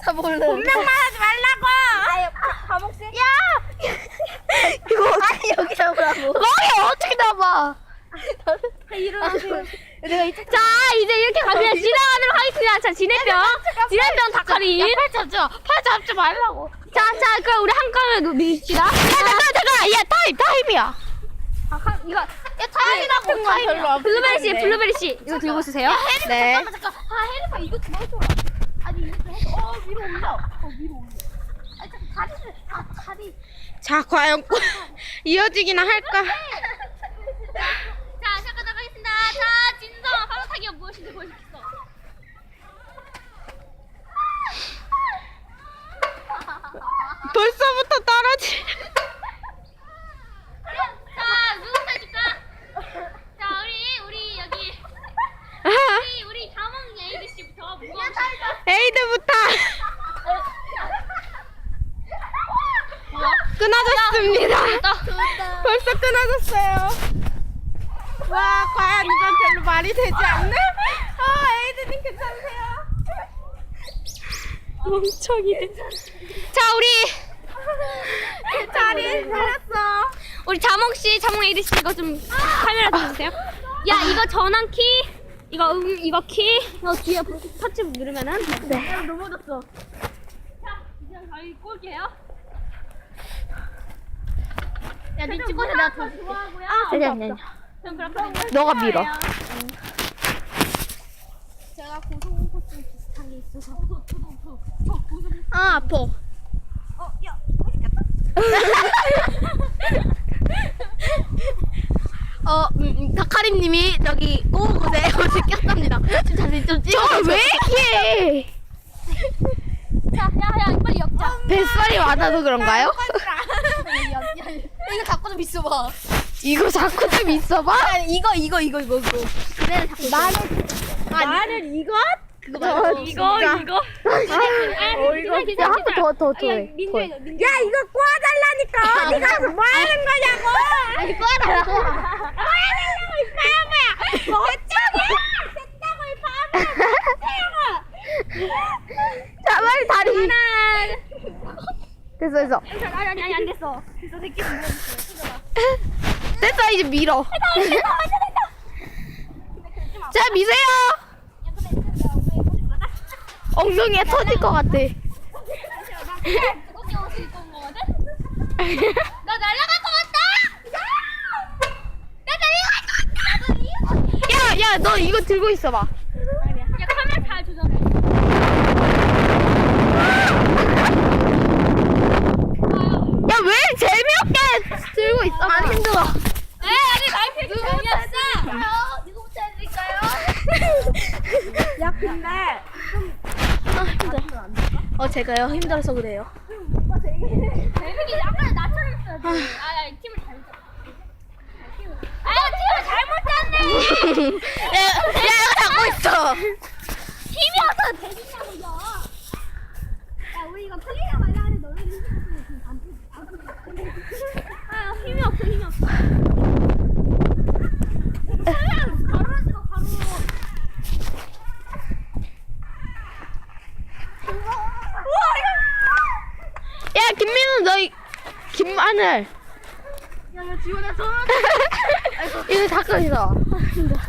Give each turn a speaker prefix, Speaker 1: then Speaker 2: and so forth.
Speaker 1: 분명만 하지 말라고.
Speaker 2: 과목생?
Speaker 1: 야! 이거 어떻게 여기 잡으라고?
Speaker 3: 거기 어떻게 잡아?
Speaker 2: 일어나세요.
Speaker 1: 내가 이쪽
Speaker 3: 자, 이제 이렇게 가면 지나가도록 하겠습니다. 자, 진해병 닭가리.
Speaker 2: 팔 잡지 말라고.
Speaker 3: 자, 그럼 우리 한 칸을 밀읍시다. 야, 잠깐. 야, 타임이야. 이거,
Speaker 1: 타임이라고 타임 별로 안
Speaker 3: 블루베리 씨, 이거 들고 있으세요.
Speaker 1: 네.
Speaker 2: 잠깐. 혜리가 이거 좀 해줘. 아니 이거 해줘. 위로 올려. 위로 올려. 아니 잠깐 다리를. 다리.
Speaker 1: 자, 과연 이어지기나 할까?
Speaker 3: 자, 잠깐 나가겠습니다. 자, 진성 바로 타기가 무엇인지 보여주겠어.
Speaker 1: 벌써부터 떨어지.
Speaker 3: 자, 누구부터 해줄까? 자, 우리 여기 우리 자몽 에이드 씨부터 무거운
Speaker 1: 에이드부터 끊어졌습니다. 벌써 끊어졌어요. 와, 과연 이건 별로 말이 되지 않네? 에이드님 괜찮으세요? 멍청이.
Speaker 3: 자,
Speaker 1: 자리 살았어.
Speaker 3: 우리 자몽 씨, 자몽 에이드 씨 이거 좀 카메라 들어주세요. 야, 이거 전원 키, 이거 키, 이거 뒤에 터치 누르면은. 네.
Speaker 2: 넘어졌어.
Speaker 3: 자, 이제 저희 꼴게요.
Speaker 2: 야, 니 찍고서 내가 더 줄게.
Speaker 1: 아니.
Speaker 3: 전 그렇게
Speaker 1: 너가 밀어.
Speaker 2: 제가 고소공포증 비슷한 게 있어서.
Speaker 1: 아, 아파.
Speaker 2: 야.
Speaker 1: 다카리님이 저기 꼬우고대 옷을 꼈답니다. 자세히 좀 찍어. 왜 이렇게
Speaker 3: 야, 빨리 엮자.
Speaker 1: 뱃살이 많아서 그런가요?
Speaker 2: 이거 갖고 좀 있어봐.
Speaker 1: 이거 자꾸 좀 있어봐.
Speaker 2: 이거.
Speaker 1: 마늘 이것?
Speaker 3: 이거.
Speaker 1: 이거.
Speaker 3: 야,
Speaker 1: 더 해. 야, 이거 꼬아달라니까. 어디 가서 뭐 하는 거냐고.
Speaker 3: 아니, 꺼라.
Speaker 1: 자, 빨리 다리. 됐어.
Speaker 3: 아니, 안 됐어. 저 새끼 좀
Speaker 1: 됐어, 이제 밀어. 자, 미세요. 엉덩이에 터질 것 같아.
Speaker 3: 두껍게 옷을 입고 온 거거든? 나 날아갈 것 같다! 나 날아갈 것 같다!
Speaker 1: 야, 너 이거 들고 있어봐.
Speaker 3: 야, 카메라 잘 조절해.
Speaker 1: 야, 왜 재미없게 들고 있어? 안 힘들어.
Speaker 3: 아니, 라이프 재미없어!
Speaker 2: 누구부터 해드릴까요? 야, 근데.
Speaker 1: 제가요 힘들어서 그래요.
Speaker 3: 재밌게 약간 나처럼 했어야지. 팀을 잘못 짰네. 팀을 잘못 짰네!
Speaker 1: 야, 이거 잡고 있어.
Speaker 3: 팀이 어서 되겠냐고요! 야, 우리 이거 틀리냐 말라 하는데 너네들 힘이 없으면 지금 안 힘이 없어. 바로 찍어, 바로.
Speaker 1: 야, 김민우 너희 김마늘.
Speaker 2: 야, 지원해, 저.
Speaker 1: 이거 닦고 있어.